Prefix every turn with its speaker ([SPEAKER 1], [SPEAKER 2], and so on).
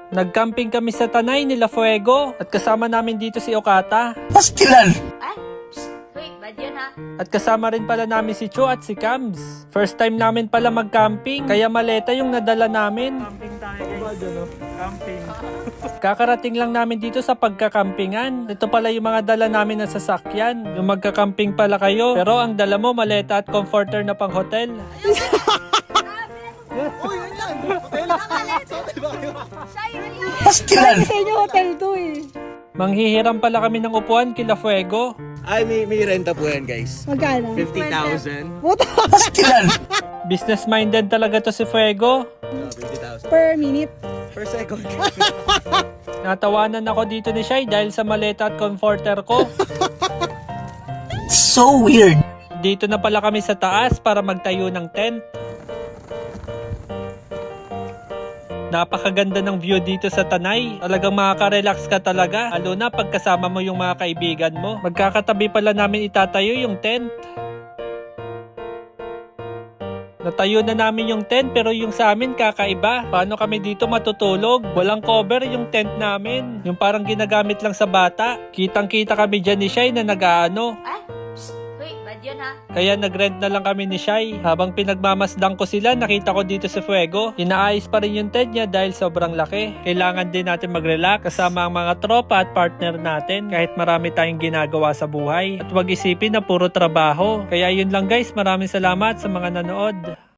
[SPEAKER 1] Nag-camping kami sa Tanay nila Fuego at kasama namin dito si Okata.
[SPEAKER 2] Pastilan!
[SPEAKER 3] Ay, psst, hoy, bad yun ha.
[SPEAKER 1] At kasama rin pala namin si Cho at si Cams. First time namin pala mag-camping, kaya maleta yung nadala namin. Camping tayo guys. Camping. Kakarating lang namin dito sa pagkakampingan. Ito pala yung mga dala namin na sasakyan. Yung magkakamping pala kayo, pero ang dala mo maleta at comforter na pang hotel.
[SPEAKER 2] Pastilan!
[SPEAKER 4] Sa inyo hotel to eh.
[SPEAKER 1] Manghihiram pala kami ng upuan kila Fuego.
[SPEAKER 5] Ay, may renta po yan, guys.
[SPEAKER 4] Magkano?
[SPEAKER 5] 50,000.
[SPEAKER 4] Puta.
[SPEAKER 2] Pastilan!
[SPEAKER 1] Business-minded talaga to si Fuego.
[SPEAKER 5] 50,000.
[SPEAKER 4] Per minute.
[SPEAKER 5] Per second.
[SPEAKER 1] Natawanan ako dito ni Shai dahil sa maleta at comforter ko.
[SPEAKER 2] So weird!
[SPEAKER 1] Dito na pala kami sa taas para magtayo ng tent. Napakaganda ng view dito sa Tanay. Talagang makaka-relax ka talaga. Lalo na pagkasama mo yung mga kaibigan mo. Magkakatabi pala namin itatayo yung tent. Natayo na namin yung tent pero yung sa amin kakaiba. Paano kami dito matutulog? Walang cover yung tent namin. Yung parang ginagamit lang sa bata. Kitang-kita kami dyan ni Shai na nag-aano.
[SPEAKER 3] Ay, psst, hoy, bad yun ha.
[SPEAKER 1] Kaya nag-rent na lang kami ni Shai. Habang pinagmamasdang ko sila, nakita ko dito sa Fuego. Inaayos pa rin yung tent niya dahil sobrang laki. Kailangan din natin mag-relax kasama ang mga tropa at partner natin kahit marami tayong ginagawa sa buhay. At wag isipin na puro trabaho. Kaya yun lang guys, maraming salamat sa mga nanood.